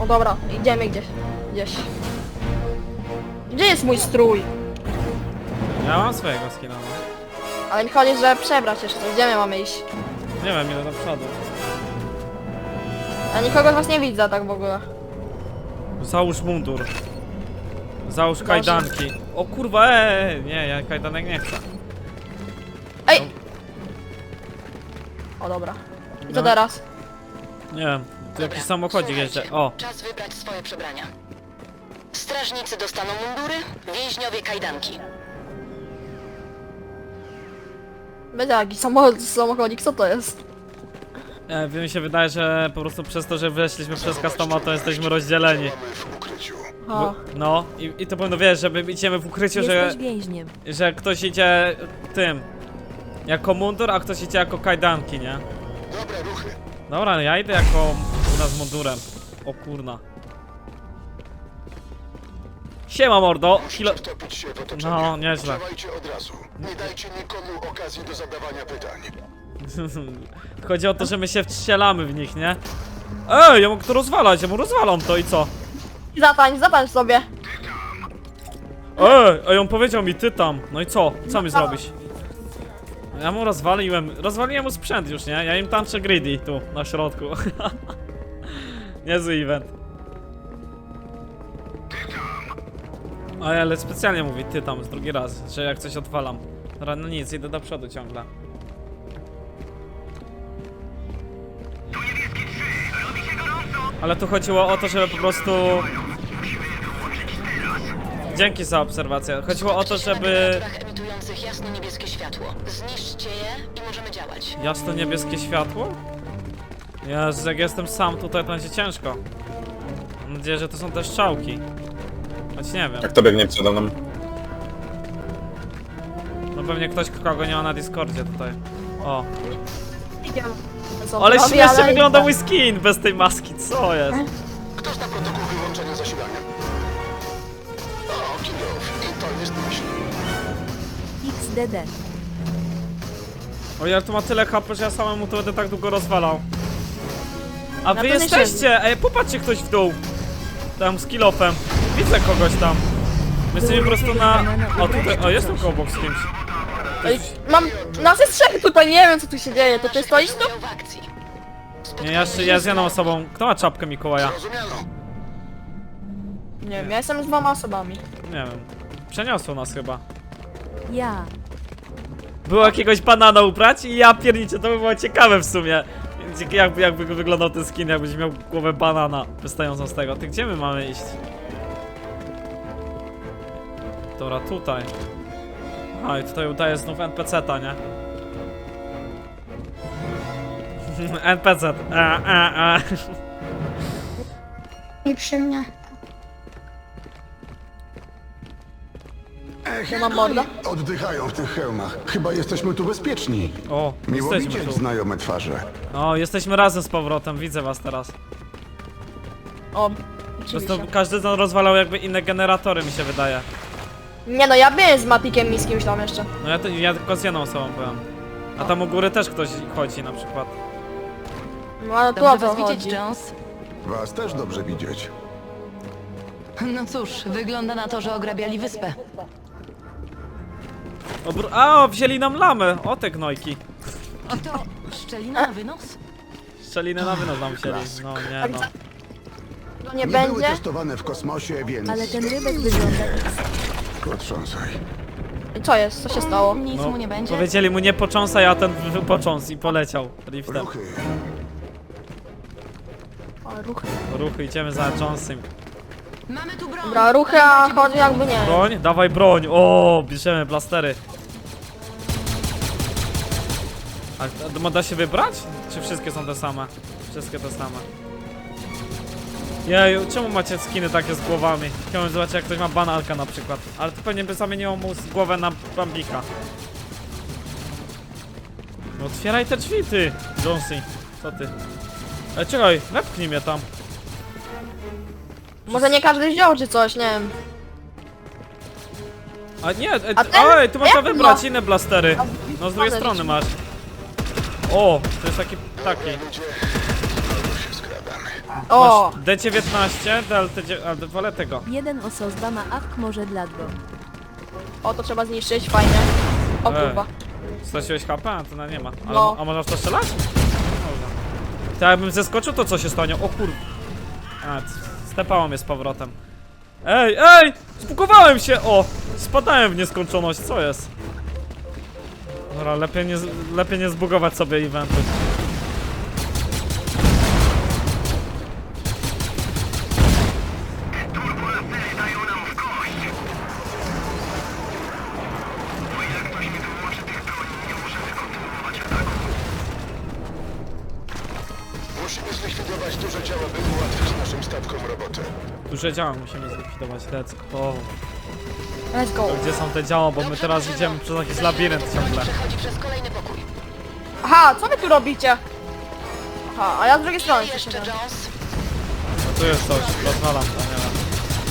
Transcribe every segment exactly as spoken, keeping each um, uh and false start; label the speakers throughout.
Speaker 1: O dobra, idziemy gdzieś. Gdzieś. Gdzie jest mój strój?
Speaker 2: Ja mam swojego skina, no.
Speaker 1: Ale mi chodzi, że przebrać jeszcze. Gdzie my mamy iść?
Speaker 2: Nie wiem, ile do przodu.
Speaker 1: Ja nikogo z was nie widzę tak w ogóle.
Speaker 2: Załóż mundur. Załóż kajdanki. O kurwa, eee, nie, ja kajdanek nie chcę.
Speaker 1: Ej! O dobra. I co
Speaker 2: No.
Speaker 1: teraz?
Speaker 2: Nie wiem, tu jakiś samochodzik jeździ. O,
Speaker 3: Czas wybrać swoje przebrania. Strażnicy dostaną mundury, więźniowie kajdanki.
Speaker 1: Będzie jakiś samochód, samochodzik, co to jest?
Speaker 2: nie wiem, mi się wydaje, że po prostu przez to, że weszliśmy przez customa, to jesteśmy rozdzieleni.
Speaker 4: w ukryciu.
Speaker 1: A,
Speaker 2: Bo, no, i, i to powinno, wiesz, żeby idziemy w ukryciu, że,
Speaker 5: Jesteś więźniem.
Speaker 2: że ktoś idzie tym, jako mundur, a ktoś idzie jako kajdanki, nie?
Speaker 4: Dobre ruchy.
Speaker 2: Dobra, no ja idę jako u nas mundurem. O kurna. Siema mordo, kilo...
Speaker 4: Musicie wtopić się w otoczenie.
Speaker 2: No, nieźle.
Speaker 4: Działajcie od razu. Nie dajcie nikomu okazji do zadawania pytań.
Speaker 2: Chodzi o to, że my się wstrzelamy w nich, nie? Ej, ja mogę to rozwalać, ja mu rozwalam to i co?
Speaker 1: zatańcz, zatańcz sobie.
Speaker 2: Ej, ej, on powiedział mi ty tam. No i co? Co mi zrobisz? Ja mu rozwaliłem, rozwaliłem mu sprzęt już, nie? Ja im tańczę greedy tu, na środku. Niezły event. Ej, ale specjalnie mówi ty tam z drugi raz, że jak coś odwalam. Dobra, no nic, idę do przodu ciągle. Ale tu chodziło o to, żeby po prostu... Dzięki za obserwację. Chodziło o to,
Speaker 3: Skupcie się na
Speaker 2: żeby...
Speaker 3: generatorach emitujących jasno-niebieskie światło. Zniszczcie je i możemy działać.
Speaker 2: Jasno-niebieskie światło? Jezu, jak jestem sam tutaj, to będzie ciężko. Mam nadzieję, że to są te strzałki. Choć nie wiem.
Speaker 6: Jak to biegnie przede mną?
Speaker 2: No pewnie ktoś, kogo nie ma na Discordzie tutaj. O.
Speaker 1: Idziemy. Co
Speaker 2: Ale
Speaker 1: robi,
Speaker 2: śmiesznie
Speaker 1: ale
Speaker 2: wygląda
Speaker 1: idę.
Speaker 2: mój skin bez tej maski, co jest?
Speaker 4: Kto zna protokół wyłączenia zasilania? O, Kingow. I to jest myśl.
Speaker 5: X D D.
Speaker 2: O, ja tu ma tyle H P, że ja samemu to będę tak długo rozwalał. A wy
Speaker 1: to nie
Speaker 2: jesteście! Ej, popatrzcie ktoś w dół. Tam z kilofem. Widzę kogoś tam. My jesteśmy po prostu na... O, tutaj... O, jestem koło obok z kimś.
Speaker 1: Ej, mam... Nas jest trzech tutaj, nie wiem co tu się dzieje. To ty stoisz tu?
Speaker 3: W akcji.
Speaker 2: Nie, ja, jeszcze- ja z jedną osobą. Kto ma czapkę Mikołaja?
Speaker 4: Rozumiano.
Speaker 1: Nie wiem, ja jestem z dwoma osobami.
Speaker 2: Nie wiem. Przeniosło nas chyba.
Speaker 5: Ja.
Speaker 2: Było jakiegoś banana ubrać i ja pierniczę, to by było ciekawe w sumie. Jakby, jakby wyglądał ten skin, jakbyś miał głowę banana wystającą z tego. Ty gdzie my mamy iść? Dobra, tutaj. A i tutaj udaje znów N P C-ta, nie? N P C. A, a, a.
Speaker 7: I przy mnie.
Speaker 1: Ja mam morda.
Speaker 4: Oddychają w tych hełmach. Chyba jesteśmy tu bezpieczni.
Speaker 2: O,
Speaker 4: Miło
Speaker 2: jesteśmy
Speaker 4: widzieć
Speaker 2: tu.
Speaker 4: znajome twarze.
Speaker 2: O, jesteśmy razem z powrotem, widzę was teraz.
Speaker 1: O,
Speaker 2: Po prostu
Speaker 1: oczywiście.
Speaker 2: każdy z nas rozwalał jakby inne generatory, mi się wydaje.
Speaker 1: Nie no, ja byłem z Matikiem i z kimś tam jeszcze.
Speaker 2: No ja, to, ja tylko z jedną osobą byłem. A tam u góry też ktoś chodzi na przykład.
Speaker 1: No ale tu o
Speaker 8: Dobrze
Speaker 1: co
Speaker 8: was widzieć,
Speaker 1: chodzi?
Speaker 8: Jones.
Speaker 4: Was też dobrze widzieć.
Speaker 8: No cóż, wygląda na to, że ograbiali wyspę.
Speaker 2: Obr A, o, wzięli nam lamę! O te gnojki.
Speaker 8: O to szczelina na wynos?
Speaker 2: Szczelinę na wynos nam wzięli. No nie no.
Speaker 1: To nie
Speaker 4: Nie były
Speaker 1: będzie?
Speaker 4: testowane w kosmosie, więc...
Speaker 5: Ale ten rybek wygląda...
Speaker 4: Potrząsaj.
Speaker 1: I co jest? Co się stało?
Speaker 8: Nic
Speaker 2: no
Speaker 8: mu nie będzie.
Speaker 2: powiedzieli mu nie począsaj, a ten począs i poleciał liftem.
Speaker 4: Ruchy.
Speaker 1: O, ruchy.
Speaker 2: Ruchy, idziemy za Jonesem.
Speaker 8: Mamy tu broń.
Speaker 1: Dobra, ruchy, a chodzi jakby nie.
Speaker 2: Broń? Dawaj broń! O, bierzemy blastery. A da- da się wybrać? Czy wszystkie są te same? Wszystkie te same. Jeju, czemu macie skiny takie z głowami? Chciałbym zobaczyć, jak ktoś ma banalka na przykład. Ale to pewnie by zamieniło mu z głowę na bambika. No otwieraj te drzwi, ty, Jonesy. Co ty? Ej, czekaj, wepchnij mnie tam.
Speaker 1: Może nie każdy wziął czy coś, nie wiem.
Speaker 2: A nie, e,
Speaker 1: A ten?
Speaker 2: oj, tu można
Speaker 1: Jak
Speaker 2: wybrać
Speaker 1: ma?
Speaker 2: inne blastery. No z drugiej
Speaker 1: One
Speaker 2: strony
Speaker 1: rzeczy.
Speaker 2: masz. O, to jest taki, taki.
Speaker 4: Ludzie, znowu się skradamy.
Speaker 1: O!
Speaker 2: Masz D dziewiętnaście, D L T dziewiętnaście, ale wolę tego.
Speaker 5: Jeden osobba ma awk może dla go.
Speaker 1: O, to trzeba zniszczyć, fajnie. O
Speaker 2: Ej.
Speaker 1: kurwa.
Speaker 2: Straciłeś H P? A to na nie ma. Ale,
Speaker 1: No.
Speaker 2: A można w to strzelać? Można. To jakbym zeskoczył, to co się stanie? O kur... A, c- stepało mnie z powrotem. Ej, ej! Spukowałem się! O! Spadałem w nieskończoność, co jest? Dobra, lepiej nie, z- lepiej nie zbugować sobie eventu.
Speaker 4: Musimy zlikwidować duże ciała, by ułatwić naszym statkom robotę.
Speaker 2: Duże działa musimy zlikwidować. Let's go.
Speaker 1: Let's go.
Speaker 2: Gdzie są te działa? Bo my
Speaker 3: Dobrze,
Speaker 2: teraz
Speaker 3: drużyno.
Speaker 2: idziemy przez jakiś
Speaker 3: Zaczynamy
Speaker 2: labirynt
Speaker 3: powoli
Speaker 2: ciągle.
Speaker 3: Przechodzi przez kolejny pokój.
Speaker 1: Aha, co wy tu robicie? Aha, a ja z drugiej strony
Speaker 3: Jeszcze
Speaker 1: przyszedłem.
Speaker 3: Jones.
Speaker 2: No tu jest coś, rozwalam to, nie wiem.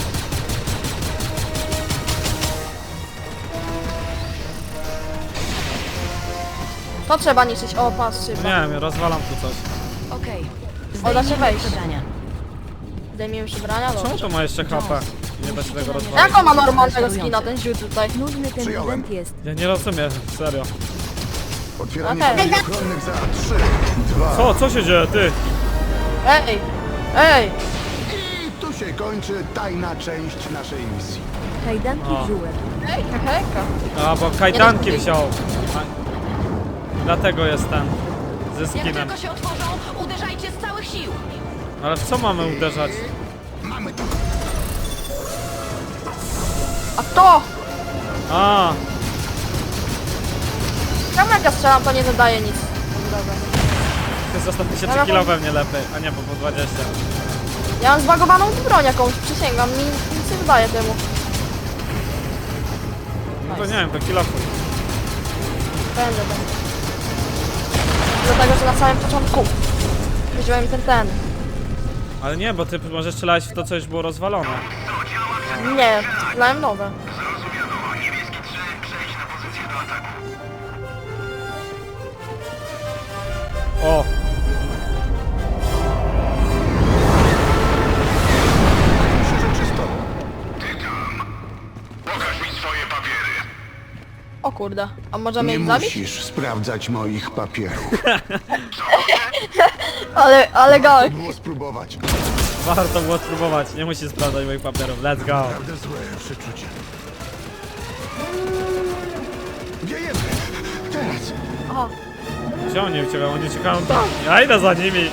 Speaker 1: To trzeba niszczyć. O, pas szyba.
Speaker 2: Nie wiem, rozwalam tu coś.
Speaker 8: Okej.
Speaker 1: O, da się wejść.
Speaker 8: przebrania.
Speaker 1: Zdejmijmy się brania,
Speaker 2: Czemu
Speaker 1: dobrze.
Speaker 2: to ma jeszcze H P? Nie da się tego rozwalić.
Speaker 1: Jak on ma normalnego skina, ten ziół tutaj?
Speaker 5: Nudny ten
Speaker 4: Przyjąłem.
Speaker 5: event jest.
Speaker 2: Ja nie rozumiem, serio.
Speaker 4: Otwieranie
Speaker 1: Okej.
Speaker 4: drzwi ochronnych za trzy, dwa.
Speaker 2: Co? Co się dzieje, ty?
Speaker 1: Ej! Ej!
Speaker 4: I tu się kończy tajna część naszej misji.
Speaker 5: Kajdanki
Speaker 2: O.
Speaker 5: w żółek.
Speaker 1: Ej, hejka.
Speaker 2: A, bo kajdanki
Speaker 1: Nie
Speaker 2: wziął. A, dlatego jest ten. Ze
Speaker 8: Jak
Speaker 2: skinem.
Speaker 8: tylko się otworzą, uderzajcie z całych sił.
Speaker 2: Ale w co mamy uderzać?
Speaker 4: Mamy to.
Speaker 1: A kto?
Speaker 2: A,
Speaker 1: Czemu jak ja strzelam, to nie zadaje nic. Dobra.
Speaker 2: ty zostaw tysiące
Speaker 1: Ale
Speaker 2: kilo
Speaker 1: bo-
Speaker 2: we mnie lepiej. A nie, bo po dwadzieścia.
Speaker 1: Ja mam zbagowaną broń jakąś, przysięgam, mi nic nie zadaje temu.
Speaker 2: No to nie wiem, to kilofuj.
Speaker 1: Będę, będę. Dlatego, że na samym początku wziąłem ten ten.
Speaker 2: Ale nie, bo ty może strzelałeś w to, co już było rozwalone.
Speaker 1: Nie, strzelałem nowe.
Speaker 2: O!
Speaker 4: Myślę, że czysto.
Speaker 1: O kurde, a możemy
Speaker 4: Nie
Speaker 1: ich zabić?
Speaker 4: musisz sprawdzać moich papierów.
Speaker 1: Ale, ale gałek.
Speaker 4: Było spróbować.
Speaker 2: Warto było spróbować, nie musisz sprawdzać moich papierów. Let's go.
Speaker 4: Naprawdę złe przeczucie. Wiejemy. Teraz.
Speaker 1: Aha,
Speaker 2: Gdzie oni uciekają? Oni uciekają tam. Ja idę za nimi.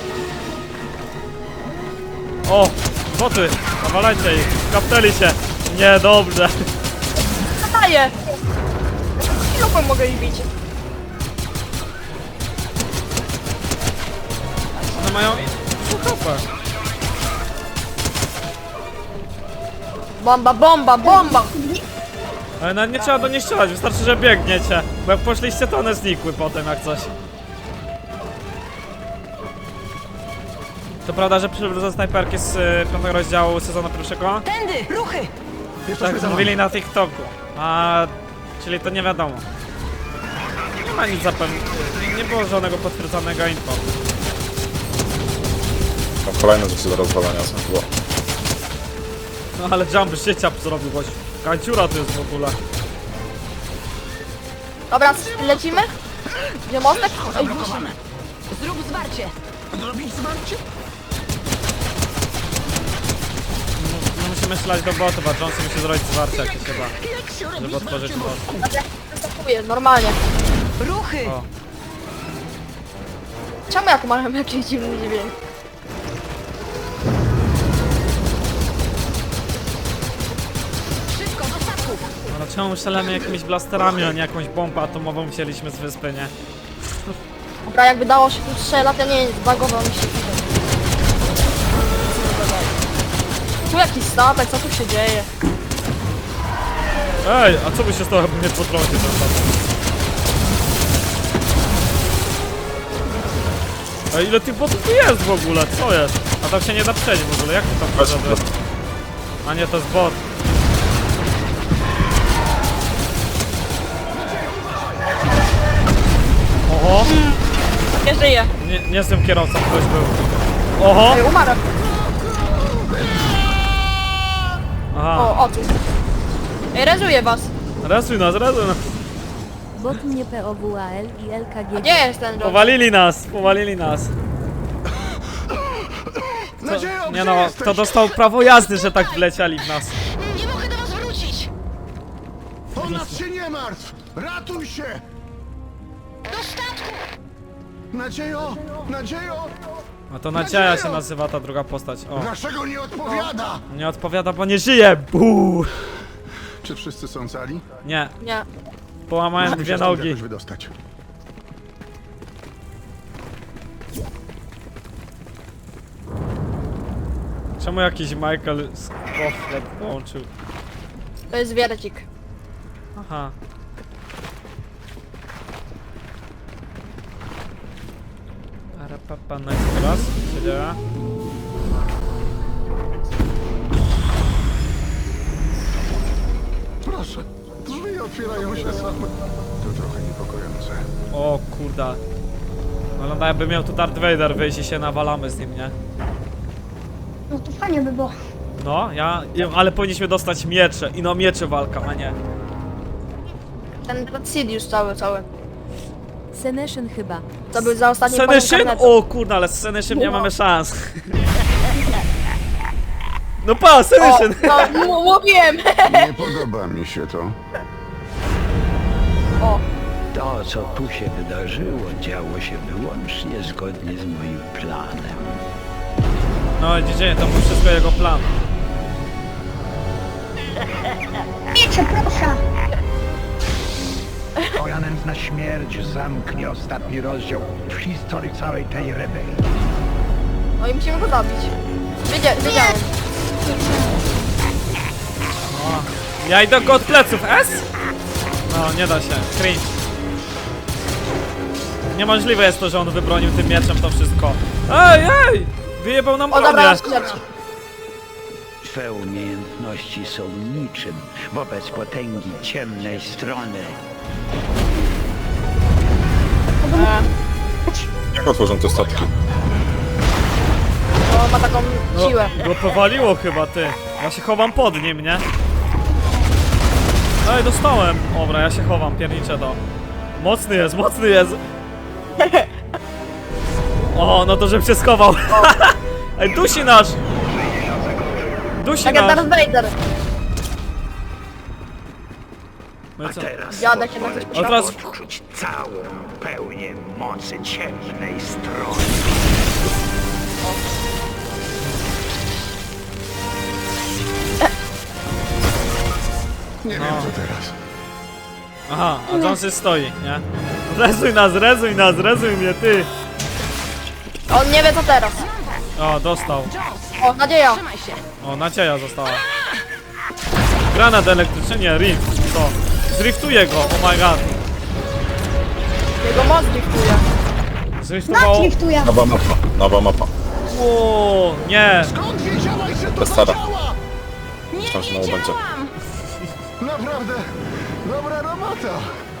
Speaker 2: O! Boty! Nawalajcie ich! Kapnęli się! Nie, dobrze.
Speaker 1: zadaję! Kilofem mogę ich bić.
Speaker 2: One mają... Super.
Speaker 1: Bomba, bomba, bomba!
Speaker 2: Ale nawet nie trzeba do nich strzelać, wystarczy, że biegniecie. Bo jak poszliście, to one znikły potem jak coś. To prawda, że przywrócę snajperki z y, piątego rozdziału sezonu pierwszego?
Speaker 8: Tędy, ruchy!
Speaker 4: Jesteśmy
Speaker 2: Tak
Speaker 4: za
Speaker 2: mówili
Speaker 4: wami.
Speaker 2: na TikToku. A... czyli to nie wiadomo. Nie ma nic zapewne. Nie było żadnego potwierdzonego info.
Speaker 6: Tam kolejne rzeczy do rozwalania są chyba.
Speaker 2: No ale jump życia zrobił gość. Kanciura to jest w ogóle.
Speaker 1: Dobra, lecimy? Gdzie mostek? Ej, musimy.
Speaker 8: Zrób zwarcie.
Speaker 4: Zrobić zwarcie?
Speaker 2: No, musimy strzelać do botów, a Johnson musi zrobić zwarcie jakieś chyba. Żeby otworzyć most.
Speaker 1: Zaskakuję, normalnie.
Speaker 8: Ruchy!
Speaker 2: O.
Speaker 1: Czemu jak mam jakiś dziwny dźwięk?
Speaker 8: Szybko, do statków!
Speaker 2: Ale czemu strzelamy jakimiś blasterami, a nie jakąś bombę atomową wzięliśmy z wyspy, nie?
Speaker 1: Dobra, jakby dało się tu strzelać, ja nie wiem, zbagował mi się tutaj. Tu jakiś statek, co tu się dzieje?
Speaker 2: Ej, a co by się stało, jakby mnie potrącił ten statek? Ej, ile tych botów tu jest w ogóle? Co jest? A tam się nie da przejść w ogóle, jak to tam
Speaker 6: Weź,
Speaker 2: może być? A nie, to jest bot. Oho,
Speaker 1: Nie żyje.
Speaker 2: nie, nie jestem kierowcą, ktoś był. Oho!
Speaker 1: Ej, umarłem.
Speaker 2: Aha,
Speaker 1: O, o tu. Ej, rezuję was.
Speaker 2: resuj nas, resuj nas.
Speaker 5: Bot mnie P O W A L i L K G.
Speaker 1: A gdzie jest ten John?
Speaker 2: Powalili nas, powalili nas.
Speaker 4: Nadziejo,
Speaker 2: Nie
Speaker 4: gdzie
Speaker 2: no,
Speaker 4: jesteś?
Speaker 2: kto dostał prawo jazdy, że tak wleciali w nas.
Speaker 3: Nie mogę do was wrócić!
Speaker 4: O nas się nie martw! Ratuj się!
Speaker 3: Do statku!
Speaker 4: Nadziejo! Nadziejo!
Speaker 2: A to Nadzieja się nazywa ta druga postać. O,
Speaker 4: Dlaczego nie odpowiada?
Speaker 2: nie odpowiada, bo nie żyje. Buu!
Speaker 4: Czy wszyscy są cali?
Speaker 2: Nie,
Speaker 1: Nie.
Speaker 2: połamałem
Speaker 4: Musimy
Speaker 2: dwie
Speaker 4: się stąd
Speaker 2: nogi.
Speaker 4: jakoś wydostać.
Speaker 2: Czemu jakiś Michael z Koflet połączył?
Speaker 1: To jest wiercik.
Speaker 2: Aha. Arapapa, nice teraz. Co się dzieje?
Speaker 4: Proszę, drzwi otwierają się same. To trochę niepokojące.
Speaker 2: O kurda. Wygląda jakby miał tu Darth Vader wyjść i się nawalamy z nim, nie?
Speaker 7: No to fajnie by było.
Speaker 2: No, ja... ale powinniśmy dostać miecze. I no miecze walka, a nie.
Speaker 1: Ten Sidious cały, cały.
Speaker 5: Seneshen chyba.
Speaker 1: To był za ostatni
Speaker 2: Seneszyn? O kurna, ale z Seneszyn nie mamy szans. No pa,
Speaker 1: O,
Speaker 2: Seneszyn!
Speaker 1: no, m- mówiłem!
Speaker 4: Nie podoba mi się to.
Speaker 1: O,
Speaker 9: To, co tu się wydarzyło, działo się wyłącznie zgodnie z moim planem.
Speaker 2: No widzicie, to był wszystko jego plan.
Speaker 7: Wiecie, proszę.
Speaker 9: Twoja nędzna śmierć zamknie ostatni rozdział w historii całej tej rebelii.
Speaker 1: no i musimy go zabić. Wiedzia wiedziałem.
Speaker 2: Ja idę go od pleców, S? No, nie da się, cringe. Niemożliwe jest to, że on wybronił tym mieczem to wszystko. Ej, ej! Wyjebał nam
Speaker 1: O, dobra,
Speaker 2: bronię.
Speaker 1: śmierć.
Speaker 9: Twe umiejętności są niczym wobec potęgi ciemnej strony.
Speaker 6: Jak otworzą te statki?
Speaker 1: No, ma taką siłę.
Speaker 2: No, go powaliło chyba, ty. Ja się chowam pod nim, nie? Ej, dostałem. Dobra, ja się chowam, pierniczę to. Mocny jest, mocny jest. O, no to żebym się schował. Ej, dusi nasz! Dusi
Speaker 1: Tak jak
Speaker 2: nasz!
Speaker 1: Darth Vader.
Speaker 2: No i co?
Speaker 9: Teraz
Speaker 1: Dziadek się na coś
Speaker 2: A teraz...
Speaker 9: odczuć całą pełnię mocy ciemnej strony.
Speaker 4: Nie wiem co teraz.
Speaker 2: Aha, a Jonesy stoi, nie? Rezuj nas, rezuj nas, rezuj mnie, ty!
Speaker 1: On nie wie co teraz.
Speaker 2: O, dostał.
Speaker 1: O, nadzieja.
Speaker 8: Trzymaj się.
Speaker 2: O, Nadzieja została. Granat elektryczny, nie, rift. Co? Zriftuje go, oh my god.
Speaker 1: Jego moc driftuje.
Speaker 2: Zriftowało...
Speaker 7: Nakliftuję.
Speaker 6: Nowa mapa, nowa mapa.
Speaker 2: O, nie!
Speaker 4: Skąd wiedziałaś, że to
Speaker 6: To stara.
Speaker 4: zadziała?
Speaker 6: Myślałem, że nowo będzie.
Speaker 4: Naprawdę, dobra robota.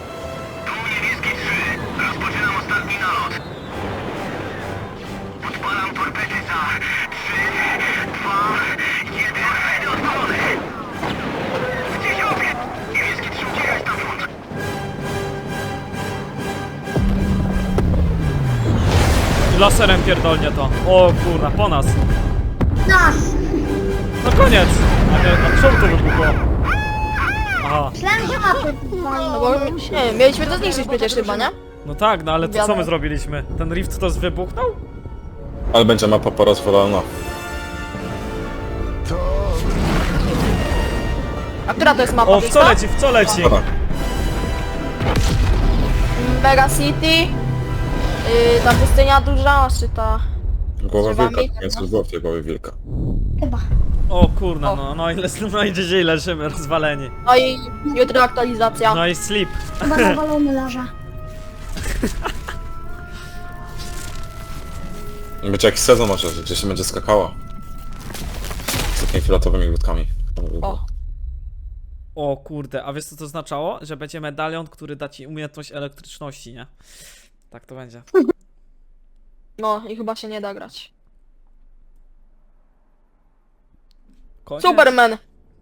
Speaker 2: Laserem pierdolnie to. O kurna, po nas.
Speaker 7: Nas.
Speaker 2: No koniec! A nie, a czemu to wybuchło? Aha.
Speaker 7: Myślałem, że mapy.
Speaker 1: No bo, nie wiem, mieliśmy to zniszczyć przecież chyba, nie?
Speaker 2: No tak, no ale to co
Speaker 1: Wiadomo.
Speaker 2: my zrobiliśmy? Ten rift to wybuchnął?
Speaker 6: Ale będzie mapa porozwalona.
Speaker 4: To...
Speaker 1: A która to jest mapa?
Speaker 2: O, w
Speaker 1: wiesz
Speaker 2: co leci, w co leci?
Speaker 6: Dobra.
Speaker 1: Mega City. Yy, ta pustynia duża, czy ta...
Speaker 6: Głowa
Speaker 1: Trzeba
Speaker 6: wilka,
Speaker 1: mieć,
Speaker 6: więc
Speaker 1: no.
Speaker 6: było w tej głowie wilka.
Speaker 7: Chyba.
Speaker 2: O kurna,
Speaker 1: O.
Speaker 2: no, no i no i dzisiaj leżymy, rozwaleni.
Speaker 1: No i jutro aktualizacja.
Speaker 2: No i sleep.
Speaker 7: Chyba nawalony leża.
Speaker 6: Będzie jakiś sezon może, że gdzieś się będzie skakała. Z takimi fioletowymi ludkami.
Speaker 1: O.
Speaker 2: O kurde, a wiesz co to oznaczało? Że będzie medalion, który da ci umiejętność elektryczności, nie? Tak to będzie.
Speaker 1: No i chyba się nie da grać.
Speaker 2: Koniec.
Speaker 1: Superman!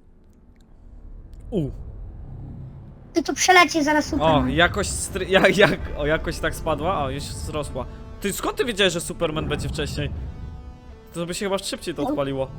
Speaker 2: U.
Speaker 7: Ty tu przeleci zaraz
Speaker 2: O,
Speaker 7: Superman.
Speaker 2: jakość stry... Jak, jak... O, jakość tak spadła? O, już wzrosła. Ty, skąd ty wiedziałeś, że Superman będzie wcześniej? To by się chyba szybciej to odpaliło.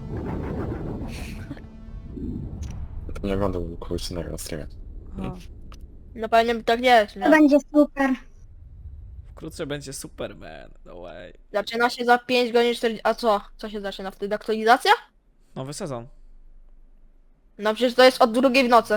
Speaker 6: Nie oglądał kogoś innego na streamie.
Speaker 1: No pewnie tak nie jest,
Speaker 7: To
Speaker 1: nie?
Speaker 7: będzie super.
Speaker 2: Wkrótce będzie Superman. No way.
Speaker 1: Zaczyna się za pięć godzin czterdzieści... A co? Co się zaczyna wtedy? Aktualizacja?
Speaker 2: Nowy sezon.
Speaker 1: No przecież to jest od drugiej w nocy.